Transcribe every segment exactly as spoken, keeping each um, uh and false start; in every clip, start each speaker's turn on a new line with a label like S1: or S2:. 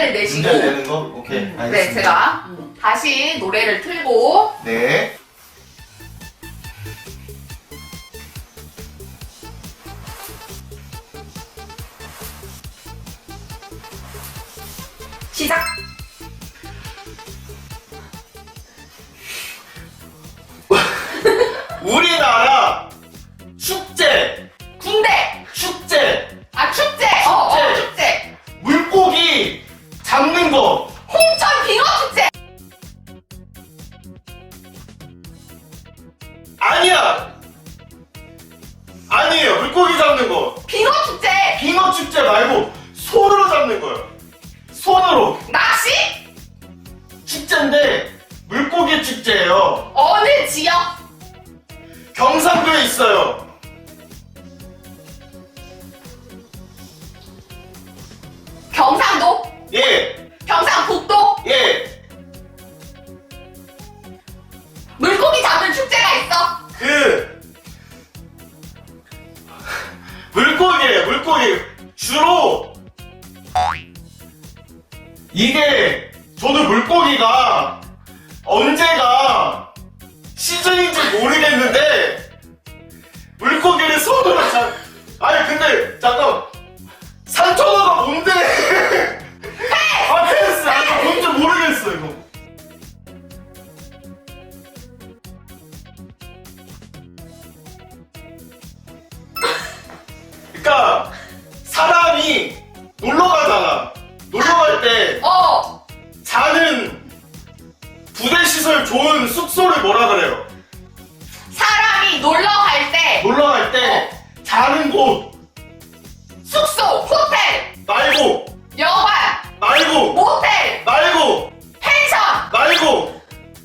S1: 문제를 내시고.
S2: 문제 내는 거? 오케이, 알겠습니다.
S1: 네, 제가 다시 노래를 틀고.
S2: 네.
S3: 시작!
S2: 우리나라 축제!
S1: 군대!
S2: 축제!
S1: 아, 축제! 어, 어, 축제!
S2: 물고기 잡는 거!
S1: 홍천 빙어 축제!
S2: 아니야! 아니에요, 물고기 잡는 거!
S1: 빙어 축제!
S2: 빙어 축제 말고 손으로 잡는 거예요. 손으로.
S1: 낚시?
S2: 축제인데 물고기 축제예요.
S1: 어느 지역?
S2: 경상도에 있어요.
S1: 경상도?
S2: 예,
S1: 경상북도?
S2: 예.
S1: 물고기 잡는 축제가 있어?
S2: 그 물고기예요, 물고기. 주로 이게 저도 물고기가 언제가 시즌인지 모르겠는데 물고기를 손으로 잡. 아니 근데 잠깐, 산천어가 뭔데? 아 패스. 아니 뭔지 모르겠어 이거. 그러니까 사람이 놀러 가잖아. 놀러 갈 때
S1: 어!
S2: 자는 부대 시설 좋은 숙소를 뭐라 그래요?
S1: 사람이 놀러 갈 때
S2: 놀러 갈 때 자는 곳
S1: 숙소, 호텔,
S2: 말고
S1: 여관,
S2: 말고
S1: 모텔,
S2: 말고
S1: 펜션,
S2: 말고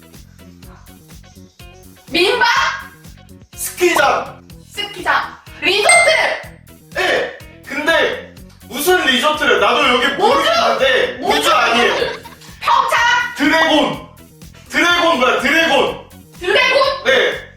S1: 민박,
S2: 스키장.
S1: 스키장, 리조트!
S2: 예. 근데 무슨 리조트를 나도 여기 모르겠는데 우주 아니에요.
S1: 평창,
S2: 드래곤. 드래곤 뭐야? 드래곤.
S1: 드래곤,
S2: 네.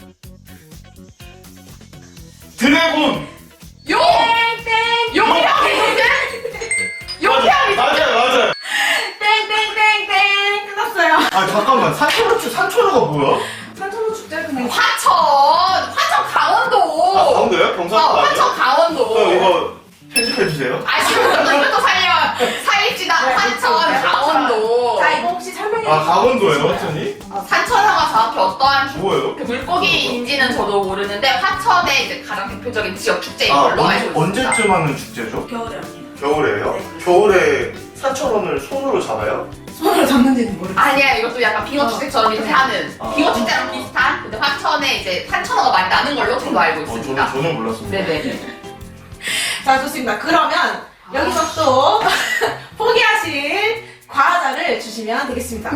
S2: 드래곤.
S1: 용! 용평 리조트? 용평 리조트?
S2: 맞아요, 맞아요.
S3: 땡땡땡땡! 끝났어요.
S2: 아 잠깐만, 산천어 축 산천어가 뭐야?
S3: 산천어 축제 그냥
S1: 화천! 화천 강원도!
S2: 아 강원도요?
S1: 어,
S2: 경상도 아니에요?
S1: 화천 강원도!
S2: 어, 이거 편집해 주세요.
S1: 아, 지금 이것도 살려, 살립시다.
S3: 네,
S1: 화천
S3: 그렇죠.
S1: 강원도!
S3: 자, 이거 혹시 설명해
S2: 아
S3: 주세요.
S2: 강원도예요, 화천이?
S1: 어, 산천어가 정확히 어떠한 축-
S2: 뭐예요?
S1: 그 물고기인지는 저도 모르는데 화천의 이제 가장 대표적인 지역 축제인
S2: 아
S1: 걸로 알고 있습니다.
S2: 언제쯤 하는 축제죠?
S3: 겨울에 언니.
S2: 겨울에요?
S3: 네.
S2: 겨울에 산천어를 손으로 잡아요?
S3: 손으로 잡는지는 모르겠어요.
S1: 아니야, 이것도 약간 빙어
S3: 어.
S1: 축제처럼 이렇게 하는
S2: 아.
S1: 빙어 축제랑 비슷한 근데 화천에 이제 산천어가 많이 나는 걸로 저도 알고
S2: 어, 저는
S1: 있습니다.
S2: 전혀 몰랐습니다.
S1: 네네.
S3: 자, 좋습니다. 그러면 여기서 또 포기하실 과자를 주시면 되겠습니다.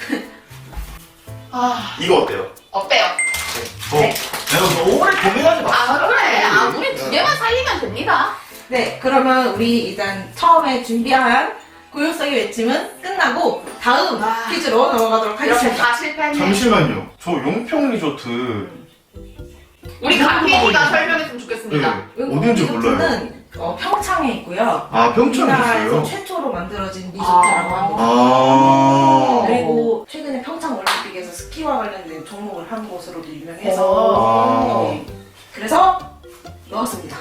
S1: 아,
S2: 이거 어때요?
S1: 어때요?
S2: 저 내가 너무 오래 고민하지 마.
S1: 아, 그래. 아, 우리 두 개만 살리면 됩니다.
S3: 네, 그러면 우리 일단 처음에 준비한 고요성의 외침은 끝나고 다음
S1: 아.
S3: 퀴즈로 넘어가도록
S1: 이렇게
S3: 하겠습니다.
S1: 다 실패했네.
S2: 잠시만요. 저 용평 리조트
S1: 우리 강민이가 설명했으면 좋겠습니다.
S2: 네, 어딘지 몰라요.
S3: 리조트는 어, 평창에 있고요.
S2: 아 평창에
S3: 우리나라에서
S2: 있어요?
S3: 최초로 만들어진 리조트라고
S1: 아.
S3: 합니다.
S2: 아
S3: 그리고 최근에 평창 올림픽에서 스키와 관련된 종목을 한 곳으로도 유명해서
S2: 아.
S3: 네. 그래서 넣었습니다.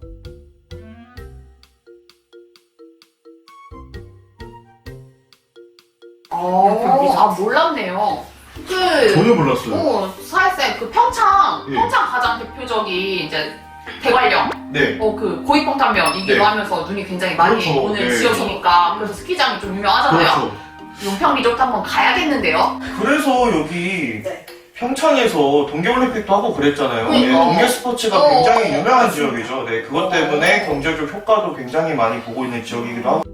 S1: 어, 아, 몰랐네요. 그,
S2: 전혀 몰랐어요.
S1: 어, 사회쌤, 그 평창,
S2: 예.
S1: 평창 가장 대표적인 이제 대관령,
S2: 네.
S1: 어, 그 고위평탄면이기도
S2: 네.
S1: 하면서 눈이 굉장히 많이
S2: 그렇죠.
S1: 오는
S2: 네.
S1: 지역이니까 그래서 스키장이 좀 유명하잖아요.
S2: 그렇죠.
S1: 용평 리조트 한번 가야겠는데요.
S2: 그래서 여기
S3: 네.
S2: 평창에서 동계올림픽도 하고 그랬잖아요.
S1: 네.
S2: 네, 동계 스포츠가
S1: 어.
S2: 굉장히 유명한 지역이죠. 네, 그것 때문에 경제적 효과도 굉장히 많이 보고 있는 지역이기도 하고.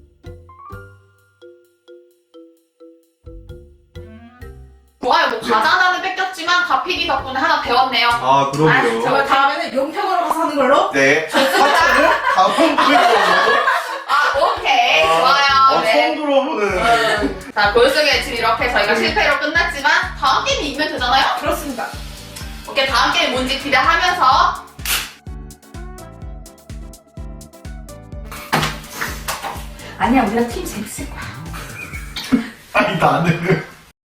S1: 좋아요. 뭐 과자 하나는 뺏겼지만 가피디 덕분에 하나 배웠네요.
S2: 아,
S1: 아,
S2: 그러게요.
S3: 저 다음에는 용평으로 가서 하는 걸로.
S2: 네. 화천을 다음 기회로.
S1: 아, 오케이.
S2: 아,
S1: 좋아요.
S2: 어,
S1: 네.
S2: 처음 들어보는.
S1: 음, 자, 고요성의 지금 이렇게 저희가
S2: 음.
S1: 실패로 끝났지만 다음 게임 이기면 되잖아요?
S3: 그렇습니다.
S1: 오케이, 다음 게임 뭔지 기대하면서 아니야, 우리가 팀 재밌을 거야.
S2: 아니 나는